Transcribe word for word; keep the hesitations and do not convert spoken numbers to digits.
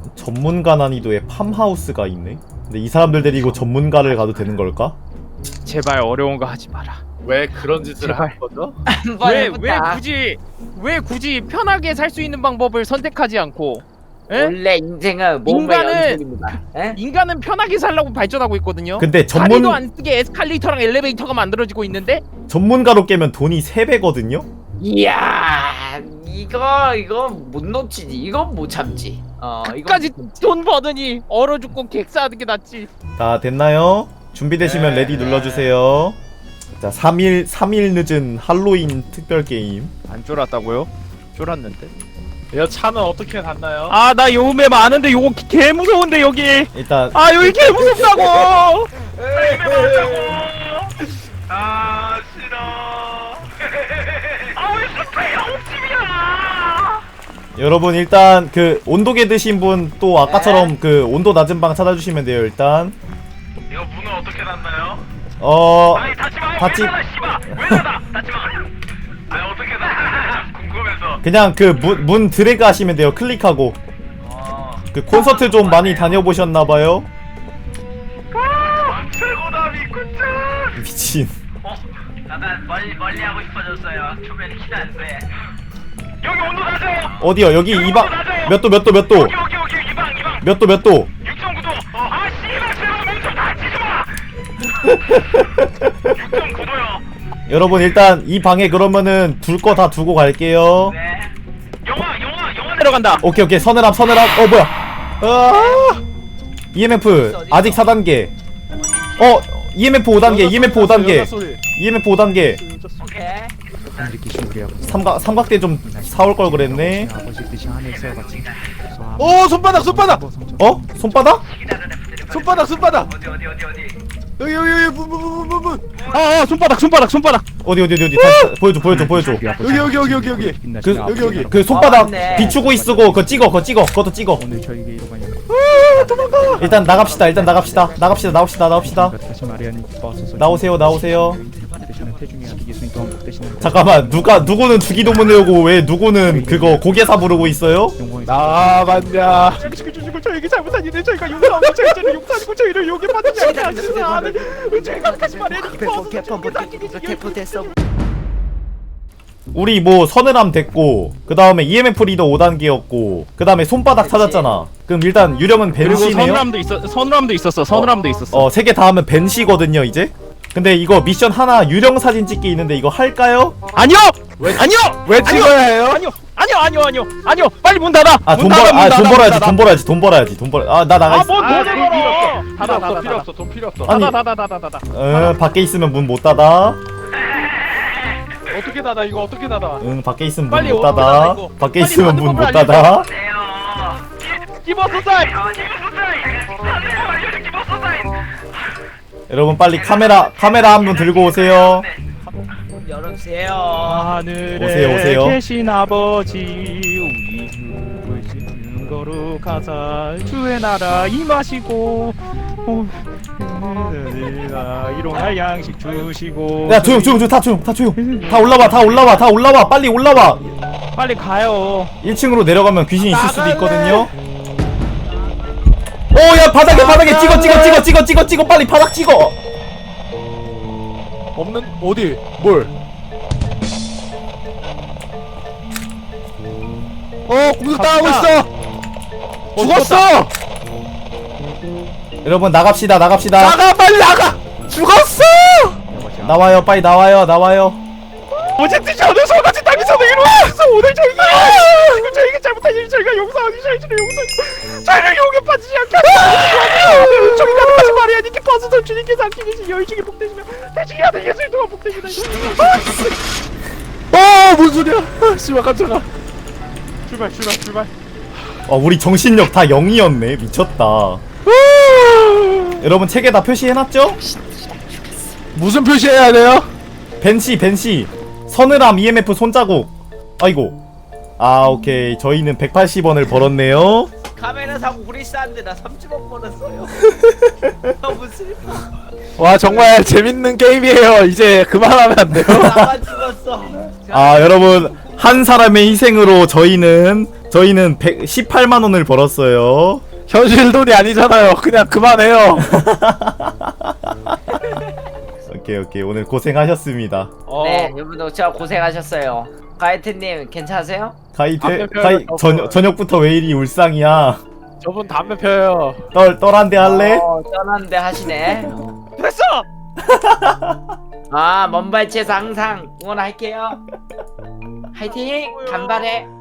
전문가 난이도의 팜하우스가 있네. 근데 이 사람들 데리고 전문가를 가도 되는 걸까? 제발 어려운 거 하지 마라. 왜 그런 짓을 제발. 한 거죠? 한번 왜 왜 해보자. 굳이 왜 굳이 편하게 살 수 있는 방법을 선택하지 않고? 에? 원래 인생은 몸의 인간은- 연속입니다. 에? 인간은 편하게 살라고 발전하고 있거든요. 근데 전문 다리도 안 쓰게 에스컬레이터랑 엘리베이터가 만들어지고 있는데 전문가로 깨면 돈이 세 배거든요. 이야 이거 이거 못 놓치지. 이건 못 참지. 어 이거 끝까지 돈 버느니 얼어 죽고 객사하는 게 낫지. 다 됐나요? 준비되시면 네. 레디 눌러주세요. 자, 삼 일 삼 일 늦은 할로윈 특별 게임. 안 쫄았다고요? 쫄았는데. 이 차는 어떻게 갔나요? 아 나 요음에 많은데 요거 개 무서운데 여기. 일단 아 여기 개 무섭다고. 아 싫어. 아왜 스프레이 옥집이야? 여러분 일단 그 온도계 드신 분 또 아까처럼 그 온도 낮은 방 찾아주시면 돼요. 일단 이거 문은 어떻게 닫나요? 어 아니 닫지 마. 닫지- 왜 닫아 씨발. 왜 닫아? 닫지 마. 아니 어떻게 닫아? 궁금해서. 그냥 그 문 문 드래그 하시면 돼요. 클릭하고. 어. 그 콘서트 좀 많이 다녀보셨나봐요. 아, 최고다 미꾸짱. 미친. 어? 약간 멀리 멀리 하고 싶어졌어요. 초면에 키도 안 돼. 여기 온도 낮아요. 어디요? 여기 이방 몇 도 몇 도 몇 도 여기 여기 여기 이방 이방. 몇 도 몇 도? 육 점 구 도. 어, 아 씨발 제발 몸좀 다치지 마. 육 점 구 도요. 여러분 일단 이 방에 그러면은 둘 거 다 두고 갈게요. 네. 영화 영화 영화 내려간다. 오케이 오케이 서늘함 서늘함. 어 뭐야? 아 이엠에프 아직 사 단계. 어 이엠에프 오 단계 이엠에프 오 단계 이엠에프 오 단계. 오케이. 삼각 삼각대 좀 사올 걸 그랬네. 오 손바닥 손바닥 어 손바닥? 손바닥 손바닥 어디 어디 어디 어디. 여기 여기 여기 문문문문문 아, 아 손바닥 손바닥 손바닥. 어디 어디 어디 어디 다시 보여줘 보여줘 보여줘. 여기 여기 여기 여기 여기 그 여기 여기 그 손바닥 아, 맞네. 비추고 있으고 그거 찍어 그거 찍어 그것도 찍어. 일단 나갑시다 일단 나갑시다 나갑시다 나옵시다 나옵시다. 나오세요 나오세요. 잠깐만 누가 누구는 주기도문 외우고 왜 누구는 그거 고개사 부르고 있어요? 나봤냐 지금 저에게 잘못한 일을 저희가 용서하고 저희를 용서하고 저희를 용에 받지 않으시면 저희가 다시 말해야 우리 뭐 서늘함 됐고 그 다음에 이엠에프 리더 오 단계였고 그 다음에 손바닥 찾았잖아. 그럼 일단 유령은 그리고 벤시네요. 서늘함도 있어. 서늘함도 있었어. 서늘함도 있었어. 어 세 개 다 하면 벤시거든요 이제. 근데 이거 미션 하나 유령 사진 찍기 있는데 이거 할까요? 아니요. 아니요. 왜 찍어야 해요? 아니요. 아니요. 아니요. 아니요. 아니요. 빨리 문 닫아. 아 돈 벌 아 돈 벌어야지 돈 벌어야지 돈 벌어야지 돈 벌어. 아 나 나가 있어. 아뭔 돈을 벌어. 필요 닫아 없어 닫아 필요 닫아. 없어 돈 필요 없어. 아니 닫아 닫아 닫아 닫아. 어 밖에 있으면 문 못 닫아. 어떻게 닫아 이거 어떻게 닫아? 응 밖에 있으면 문 빨리 못 오픈하자, 닫아. 이거. 밖에 빨리 있으면 닫는 문 못 법을 닫아. 네요. 기버 소사이. 여러분 빨리 카메라 카메라 한 분 들고 오세요. 문 열어주세요. 하늘에 오세요, 오세요. 계신 아버지 우리 부르시는 거룩하사 주의 나라 임하시고 어, 일용할 양식 주시고 야 조용 조용 조용 다 조용 다 조용. 다 올라와 다 올라와 다 올라와 빨리 올라와. 빨리 가요. 일 층으로 내려가면 귀신이 있을 수도 있거든요. 오야 바닥에 바닥에 찍어 찍어 찍어 찍어 찍어 찍어 빨리 바닥 찍어. 없는 어디 뭘? 어 공격 당하고 있어. 죽었어. 여러분 나갑시다 나갑시다. 나가 빨리 나가. 죽었어. 나와요 빨리 나와요 나와요. 어제 뜻이 않은 소같이 땅에서 이루어서 오늘 저희가 지금 저희가 잘못한 일 저희가 용서하기 저희를 용서 저희를 용에 빠지지 않게 하시고 저희가 다시 말해야 니께 버스서 주님께서 함께 계신 여인 중에 복되시며 대중이 하는 예수님 동안 복되시다. 어뭔 소리야? 아, 씨발 깜짝아. 출발 출발 출발. 어 우리 정신력 다 영이었네. 미쳤다. 여러분 책에 다 표시해놨죠? 무슨 표시해야 돼요? 벤시 벤시 서늘함 이엠에프 손자국. 아이고 아 오케이 저희는 백팔십 원을 벌었네요. 카메라 사고 후리스한데 나 삼십억 벌었어요. 너무 슬퍼. 와 정말 재밌는 게임이에요. 이제 그만하면 안 돼요? 나만 죽었어. 아 여러분 한 사람의 희생으로 저희는 저희는 백십팔만 원을 벌었어요. 현실 돈이 아니잖아요. 그냥 그만해요. 오케이 오케이 오늘 고생하셨습니다. 어, 네, 여러분들 진짜 고생하셨어요. 가이트님 괜찮으세요? 가이 담배 대, 펴요, 가이 저거. 저녁 저녁부터 왜 이리 울상이야? 저분 담배 펴요. 떨 떨한데 할래? 어, 짠한데 하시네. 됐어. 아, 먼발치에서 항상 응원할게요. 화이팅! 간발해.